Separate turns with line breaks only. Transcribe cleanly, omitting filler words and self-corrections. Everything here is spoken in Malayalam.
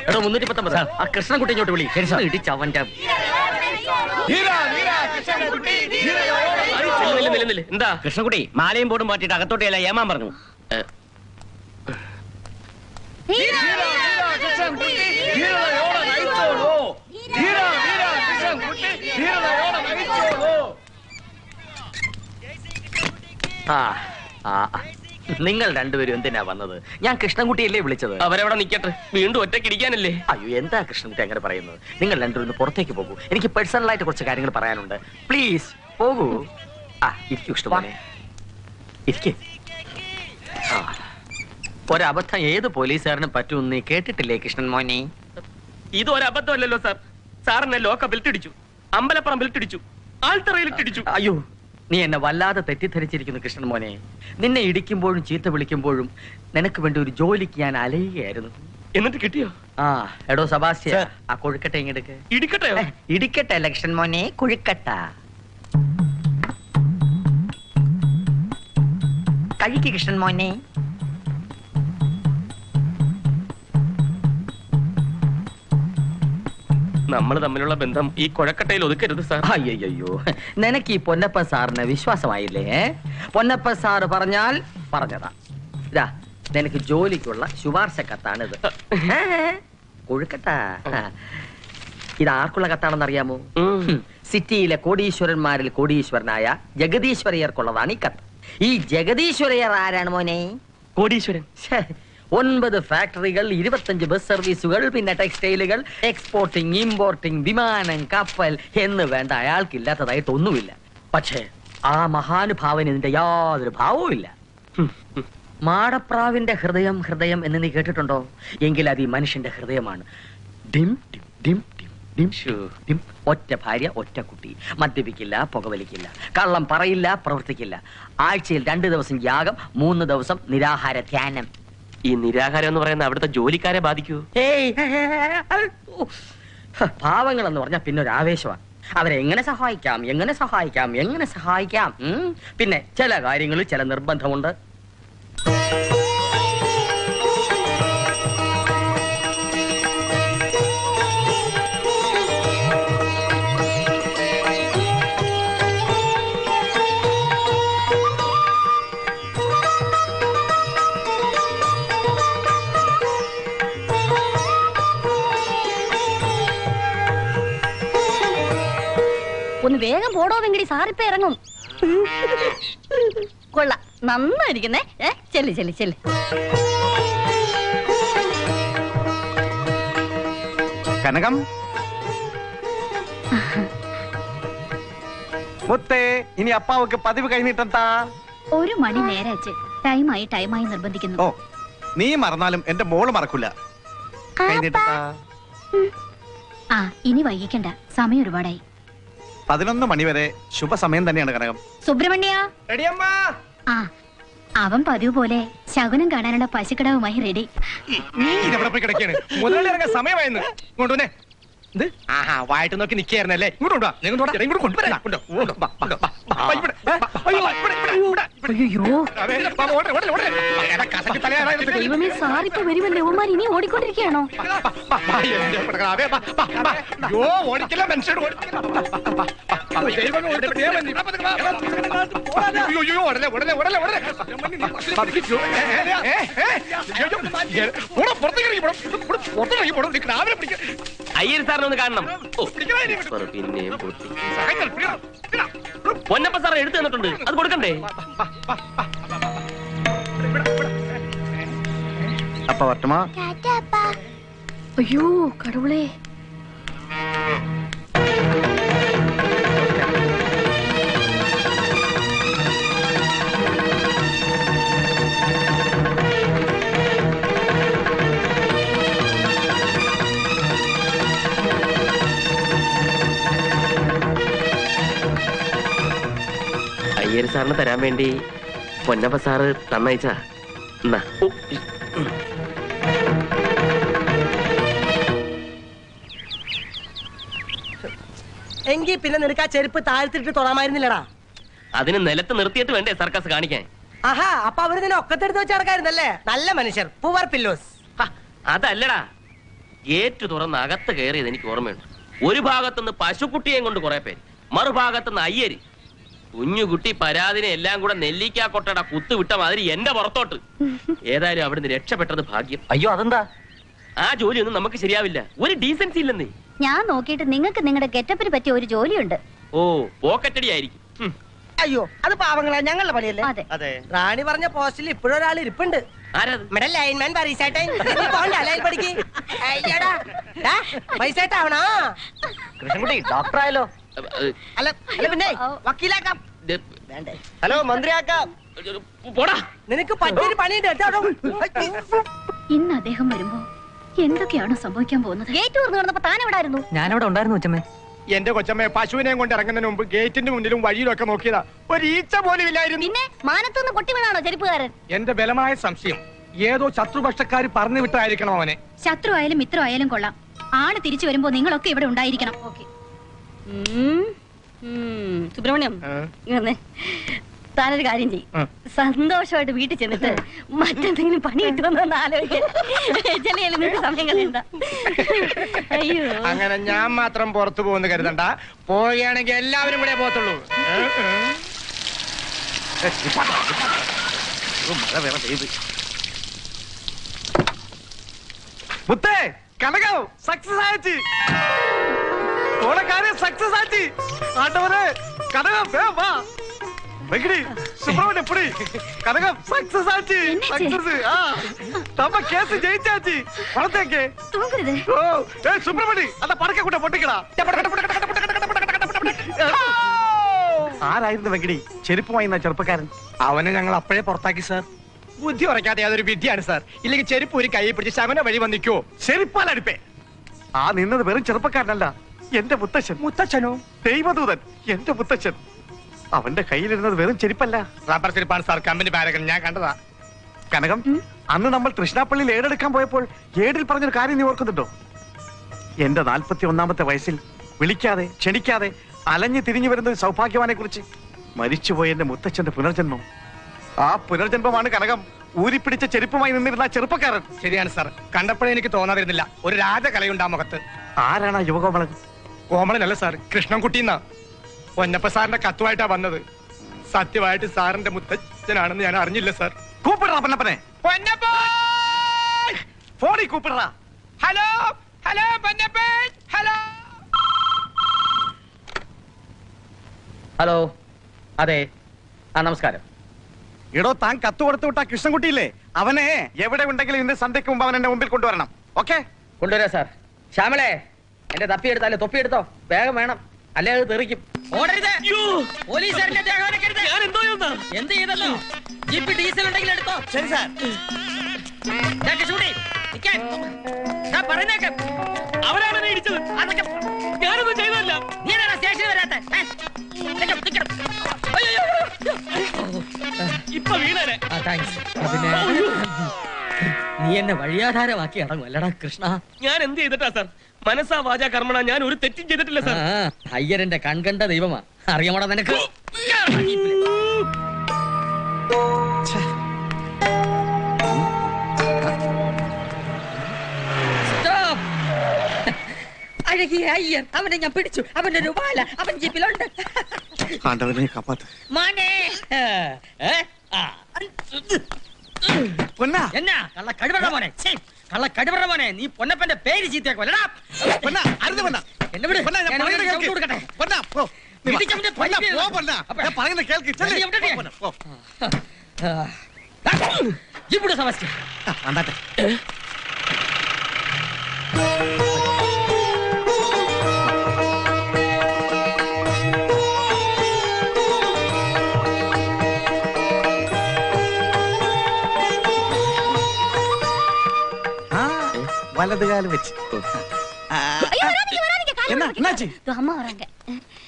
എടോ 319 ആ കൃഷ്ണൻകുട്ടി ഇങ്ങോട്ട് വിളി. ഇടിച്ചവന്റെ എന്താ കൃഷ്ണൻകുട്ടി മാലയും ബോർഡും മാറ്റിട്ട് അകത്തോട്ടിയല്ല ഏമാൻ പറഞ്ഞു. നിങ്ങൾ രണ്ടുപേരും എന്തിനാ വന്നത്? ഞാൻ കൃഷ്ണൻകുട്ടിയല്ലേ വിളിച്ചത്.
അവരവിടെ നിക്കട്ടെ, വീണ്ടും ഒറ്റയ്ക്ക് ഇരിക്കാനല്ലേ.
അയ്യോ എന്താ കൃഷ്ണൻകുട്ടി അങ്ങനെ പറയുന്നത്? നിങ്ങൾ രണ്ടുപേരും പുറത്തേക്ക് പോകൂ, എനിക്ക് പേഴ്സണലായിട്ട് കുറച്ച് കാര്യങ്ങൾ പറയാനുണ്ട്. പ്ലീസ് പോകൂ. ഇരിക്കൂ ഇഷ്ടമാണ്. ഇരിക്കേ. ഒരബദ്ധം ഏത് പോലീസുകാരനും പറ്റുമെന്ന് നീ കേട്ടിട്ടില്ലേ കൃഷ്ണൻ മോനെ?
ഇത് ഒരബദ്ധമല്ലല്ലോ സാർ. സാറിനെ ലോക്കപ്പിൽ ഇടിച്ചു, അമ്പലപ്പുറം ഇടിച്ചു, ആൾത്തറയിൽ ഇടിച്ചു.
അയ്യോ നീ എന്നെ വല്ലാതെ തെറ്റിദ്ധരിച്ചിരിക്കുന്നു കൃഷ്ണൻ മോനെ. നിന്നെ ഇടിക്കുമ്പോഴും ചീത്ത വിളിക്കുമ്പോഴും നിനക്ക് വേണ്ടി ഒരു ജോലിക്ക് ഞാൻ അലയുകയായിരുന്നു.
എന്നിട്ട് കിട്ടിയോ?
എടോ സബാസ്റ്റ്യ, ആ കൊഴുക്കട്ടെ ഇങ്ങെടുക്ക്.
ഇടിക്കട്ടെയോ?
ഇടിക്കട്ടെ അല്ല കൃഷ്ണൻ മോനെ, കൊഴുക്കട്ട കഴിക്ക് കൃഷ്ണൻ മോനെ.
നമ്മൾ തമ്മിലുള്ള ബന്ധം ഈ കൊഴക്കട്ടയിൽ ഒതുക്കരുത് സാർ.
അയ്യോ നിനക്ക് ഈ പൊന്നപ്പ സാറിന് വിശ്വാസമായില്ലേ? പൊന്നപ്പ സാറ് പറഞ്ഞാൽ പറഞ്ഞതാ. ഇതാ നിനക്ക് ജോലിക്കുള്ള ശുപാർശ കത്താണിത്. കൊഴുക്കട്ട. ഇത് ആർക്കുള്ള കത്താണെന്ന് അറിയാമോ? സിറ്റിയിലെ കോടീശ്വരന്മാരിൽ കോടീശ്വരനായ ജഗദീശ്വരയ്യർക്കുള്ളതാണ് ഈ കത്ത്. ഈ ജഗദീശ്വരയ്യർ ആരാണ് മോനെ?
കോടീശ്വരൻ.
9 ഫാക്ടറികൾ, 25 ബസ് സർവീസുകൾ, പിന്നെ ടെക്സ്റ്റൈലുകൾ, എക്സ്പോർട്ടിംഗ്, ഇമ്പോർട്ടിംഗ്, വിമാനം, കപ്പൽ എന്ന് വേണ്ട അയാൾക്കില്ലാത്തതായിട്ടൊന്നുമില്ല. പക്ഷേ ആ മഹാനുഭാവന് ഇതിന്റെ യാതൊരു ഭാവവും ഇല്ല. മാടപ്രാവിന്റെ ഹൃദയം ഹൃദയം എന്ന് നീ കേട്ടിട്ടുണ്ടോ? എങ്കിൽ അത് ഈ മനുഷ്യന്റെ ഹൃദയമാണ്. ഡിം ഡിം ഡിം ഡിം ഡിം ഡിം. ഒറ്റ ഭാര്യ, ഒറ്റ കുട്ടി. മദ്യപിക്കില്ല, പുകവലിക്കില്ല, കള്ളം പറയില്ല, പ്രവർത്തിക്കില്ല. ആഴ്ചയിൽ 2 ദിവസം യാഗം, 3 ദിവസം നിരാഹാര ധ്യാനം.
ഈ നിരാഹാരം എന്ന് പറയുന്ന അവിടുത്തെ ജോലിക്കാരെ ബാധിക്കൂ?
പാവങ്ങൾ എന്ന് പറഞ്ഞാൽ പിന്നെ ഒരു ആവേശമാണ്. അവരെ എങ്ങനെ സഹായിക്കാം, എങ്ങനെ സഹായിക്കാം, എങ്ങനെ സഹായിക്കാം. പിന്നെ ചില കാര്യങ്ങളിൽ ചില നിർബന്ധമുണ്ട്.
ഒന്ന് വേഗം പോടോ വെങ്കടി, സാറിപ്പ ഇറങ്ങും. കൊള്ളാം, നന്നായിരിക്കുന്നേ. ചെല്ല് ചെല്ല് ചെല്ല്.
കനകം മുത്തേ, ഇനി അപ്പാവക്ക് പതിവ് കഴിഞ്ഞിട്ടെന്താ?
1 മണി നേരാച്ച്. ടൈമായി നിർബന്ധിക്കുന്നു.
ഓ നീ മറന്നാലും എന്റെ മോള് മറക്കൂല.
ഇനി വൈകിക്കണ്ട, സമയം ഒരുപാടായി.
11 മണി വരെ ശുഭസമയം തന്നെയാണ് കനകം.
സുബ്രഹ്മണ്യ, അവൻ പതിവ് പോലെ ശകുനം കാണാനുള്ള പശുക്കടവുമായി റെഡി.
സമയമായിരുന്നു. വായിട്ട് നോക്കി നിൽക്കായിരുന്നല്ലേ?
ദൈവമേ, സാറിപ്പോ വരുമല്ലേ? ഓമാർ ഇനി ഓടിക്കൊണ്ടിരിക്കുകയാണോ?
ഓടിക്കില്ല മനുഷ്യർ.
അയ്യർ സാറിനൊന്ന് കാണണം. പിന്നെയും പൊന്നപ്പ സാർ എടുത്തു തന്നിട്ടുണ്ട്, അത് കൊടുക്കണ്ടേ?
അപ്പ വട്ടമാ.
അയ്യോ കടവുളേ.
അയ്യർ സാറിന് തരാൻ വേണ്ടി പൊന്നപ്പ സാറ് തന്നയച്ചാ.
എങ്കിൽ പിന്നെ നിനക്ക് ആ ചെരുപ്പ് താഴ്ത്തിട്ട് തൊടാമായിരുന്നില്ലടാ.
അതിന് നിലത്ത് നിർത്തിയിട്ട് വേണ്ടേ സർക്കസ് കാണിക്കാൻ?
ആഹാ, അപ്പൊ അവര് നിന്നെ ഒക്കത്തെടുത്ത് വെച്ച് നടക്കായിരുന്നല്ലേ? നല്ല മനുഷ്യർ, പൂവർ പില്ലോസ്.
അതല്ലടാ, ഗേറ്റ് തുറന്ന് അകത്ത് കയറിയത് എനിക്ക് ഓർമ്മയുണ്ട്. ഒരു ഭാഗത്തുനിന്ന് പശുക്കുട്ടിയെയും കൊണ്ട് കുറെ പേര്, മറുഭാഗത്തുനിന്ന് അയ്യര്. കുഞ്ഞുകുട്ടി പരാതിനെ എല്ലാം കൂടെ നെല്ലിക്കാ കൊട്ടട കുത്തു വിട്ട മാതിരി എന്റെ പുറത്തോട്ട്. ഏതായാലും അവിടുന്ന് രക്ഷപ്പെട്ടത് ഭാഗ്യം.
അയ്യോ അതെന്താ?
ആ ജോലിയൊന്നും നമുക്ക് ശരിയാവില്ല. ഒരു ഡീസൻസി ഇല്ലെന്നേ.
ഞാൻ നോക്കിയിട്ട് നിങ്ങൾക്ക് നിങ്ങളുടെ ഗെറ്റപ്പിന് പറ്റിയ ഒരു ജോലിയുണ്ട്.
ഓ, പോക്കറ്റടി ആയിരിക്കും.
അയ്യോ അത് പാവങ്ങളാ, ഞങ്ങളുടെ പണിയല്ലേ.
അതെ.
അതെ.
റാണി പറഞ്ഞ പോസ്റ്റിൽ ഇപ്പോഴും ഒരാൾ ഇരിപ്പുണ്ട്.
ആരാത്?
ഇവിടെ ലൈൻമാൻ പരീക്ഷേട്ടൻ. പോണ്ട ലൈൻ പഠിക്ക്. അയ്യടാ പൈസേട്ടാവണോ?
കൃഷ്ണൻകുട്ടി ഡോക്ടറായാലോ?
അല്ല അല്ല പിന്നെ വക്കീലാക്കാം. വേണ്ടേ?
ഹലോ മന്ത്രിയാക്കാം.
പോടാ.
നിനക്ക് പറ്റിയൊരു പണിയുണ്ട് കേട്ടോ.
ഇന്ന് അദ്ദേഹം വരുമ്പോ എന്തൊക്കെയാണോ സംഭവിക്കാൻ പോകുന്നത്? ഗേറ്റ് തുറന്നു കിടന്നപ്പോ താൻ എവിടെ ആയിരുന്നു?
ഞാനവിടെ ഉണ്ടായിരുന്നു അച്ഛമ്മേ.
എന്റെ കൊച്ചമ്മയെ പശുവിനെയും കൊണ്ട് ഇറങ്ങുന്നതിന് മുമ്പ് ഗേറ്റിന്റെ മുന്നിലും വഴിയിലൊക്കെ നോക്കിയതാ. ഒരു ഈച്ച പോലും ഇല്ലായിരുന്നു.
പിന്നെ മാനത്തുനിന്ന് പൊട്ടി വീണാണോ ചെരുപ്പുകാരൻ?
എന്റെ ബലമായ സംശയം ഏതോ ശത്രുപക്ഷക്കാർ പറഞ്ഞു വിട്ടായിരിക്കണം അവനെ.
ശത്രു ആയാലും മിത്രം ആയാലും കൊള്ളാം. ആള് തിരിച്ചു വരുമ്പോ നിങ്ങളൊക്കെ ഇവിടെ ഉണ്ടായിരിക്കണം. സുബ്രഹ്മണ്യം, താനൊരു കാര്യം ചെയ്യും. സന്തോഷമായിട്ട് വീട്ടിൽ ചെന്നിട്ട് മറ്റെന്തെങ്കിലും പണി കിട്ടുമെന്ന് ആലോചിക്കാൻ സമയം കളയണ്ട. അയ്യോ,
അങ്ങനെ ഞാൻ മാത്രം പുറത്തു പോകുന്നു കരുതണ്ട. പോവുകയാണെങ്കിൽ എല്ലാവരും കൂടെ പോകത്തുള്ളൂ.
മുത്തേ കനകം സക്സസ് ആയിച്ച്. ഓളെ കാര്യം സക്സസ് ആയിച്ച്. ആട്ടവരെ കനകം വേഗം വാ. வெங்கடி சுப்ரமணியம் புடி கனகம் சக்சஸ் ஆச்சு. சக்சஸ். நம்ம கேஸ் ஜெயிச்சாச்சு. பணத்தேங்க
தூங்குறது.
ஓ ஏய் சுப்ரமணி அந்த படக்க கூட பொட்டிக்கடா. ആരായിരുന്നു വെങ്കടി ചെരുപ്പുമായി ചെറുപ്പക്കാരൻ?
അവനെ ഞങ്ങൾ അപ്പോഴേ പുറത്താക്കി സാർ. ബുദ്ധി ഉറക്കാതെ അതൊരു വിദ്യയാണ് സാർ. ഇല്ലെങ്കിൽ ചെരുപ്പ് ഒരു കൈ പിടിച്ച് ശമന വഴി വന്നിക്കോ.
ചെരുപ്പാലടിപ്പേ. ആ നിന്നത് വെറും ചെറുപ്പക്കാരനല്ല, എന്റെ മുത്തച്ഛൻ.
മുത്തച്ഛനോ?
ദൈവദൂതൻ, എന്റെ മുത്തച്ഛൻ. അവന്റെ കയ്യിലിരുന്നത് വെറും ചെരുപ്പല്ല,
റബ്ബർ ചെരുപ്പാണ് സാർ. കമ്പനി പാരകൻ ഞാൻ കണ്ടതാ.
കനകം, അന്ന് നമ്മൾ തൃശ്ശാപ്പള്ളിയിൽ ഏടെടുക്കാൻ പോയപ്പോൾ ഏടിൽ പറഞ്ഞൊരു കാര്യം നീ ഓർക്കുന്നുണ്ടോ? എന്റെ 41-ാമത്തെ വയസ്സിൽ വിളിക്കാതെ ക്ഷണിക്കാതെ അലഞ്ഞു തിരിഞ്ഞു വരുന്ന ഒരു സൗഭാഗ്യവാനെ കുറിച്ച്. മരിച്ചുപോയ എന്റെ മുത്തച്ഛന്റെ പുനർജന്മം. ആ പുനർജന്മമാണ് കനകം ഊരിപ്പിടിച്ച ചെരുപ്പുമായി നിന്നിരുന്ന ചെറുപ്പക്കാരൻ.
ശരിയാണ് സാർ. കണ്ടപ്പോഴേ എനിക്ക് തോന്നാതിരുന്നില്ല ഒരു രാജകലയുണ്ട് ആ മുഖത്ത്.
ആരാണ് ആ യുവകോമളൻ?
കോമളനല്ല സാർ, കൃഷ്ണൻകുട്ടിന്നാ. പൊന്നപ്പ സാറിന്റെ കത്തുമായിട്ടാ വന്നത്. സത്യമായിട്ട് സാറിന്റെ മുത്തച്ഛനാണെന്ന് ഞാൻ അറിഞ്ഞില്ല സാർ.
കൂപ്പിടറാ പൊന്നപ്പനെ.
പൊന്നപ്പ
ഫോണിൽ കൂപ്പിടറാ.
Hello hello Ponnappa hello.
Hello, അതെ. നമസ്കാരം.
എടോ, താൻ കത്ത് കൊടുത്തു വിട്ട കൃഷ്ണൻകുട്ടിയില്ലേ, അവനെ എവിടെ ഉണ്ടെങ്കിലും ഇന്ന് സന്ധ്യക്ക് മുമ്പ് അവൻ എന്റെ മുമ്പിൽ കൊണ്ടുവരണം. ഓക്കെ?
കൊണ്ടുവരാ സാർ. ശ്യാമളെ, എന്റെ തപ്പി എടുത്താലേ തൊപ്പി എടുത്തോ, വേഗം വേണം, അല്ലേ അത് തെറിക്കും.
എന്ത് ചെയ്തല്ലോ? ജീപ്പ് ഡീസൽ ഉണ്ടെങ്കിൽ എടുത്തോ.
ശരി സാർ.
പറയുന്നേക്കെ അവരാണ് എന്നെ ഇടിച്ചത്. അതൊക്കെ ഞാനൊന്നും ചെയ്തല്ല. നീ സ്റ്റേഷനിൽ വരാത്ത ഇപ്പൊ വീണേ.
നീ എന്നെ വഴിയാധാരമാക്കി ഇറങ്ങും അല്ലടാ കൃഷ്ണ.
ഞാൻ എന്ത് ചെയ്തിട്ടാ സാർ? മനസ്സാ വാചാ കർമ്മണ ഞാൻ ഒരു തെറ്റും ചെയ്തിട്ടില്ല സാർ.
അയ്യരന്റെ കൺകണ്ട ദൈവമാ. അറിയാമോടാ നിനക്ക്?
അഴകിയ അയ്യർ, അവനെ ഞാൻ പിടിച്ചു. അവന്റെ ഒരു വാല അവൻ ജീപ്പിലുണ്ട്.
ആണ്ടവനെ കാപ്പാത്ത്.
മോനെ
പൊന്നാ
എന്നാ കള്ള കഴിവറ മോനെ, കള്ള കഴിവറ മോനെ, നീ പൊന്നപ്പന്റെ പേര് ചീത്തയാക്കുമല്ലടാ.
പൊന്നാ, അരുത് പൊന്നാ.
എന്നെ വിട്.
പൊന്നാ, ഞാൻ പറയുന്നത് കേൾക്ക്.
കൊടുക്കട്ടെ.
പൊന്നാ, പോ. നീ വാ.
ഇടിച്ചവന്റെ
പൊന്നാ,
തൊലി
പോ പൊന്നാ. ഞാൻ പറയുന്നത് കേൾക്ക്. ചെല്ല്.
നീ എവിടെയാ?
പോ പൊന്നാ, പോ.
ഇവിടെ സമസ്യ
വന്നാട്ടെ. വലതുകാലം വെച്ച്. എന്നാ എன்னாச்சு?
அம்மா வராங்க.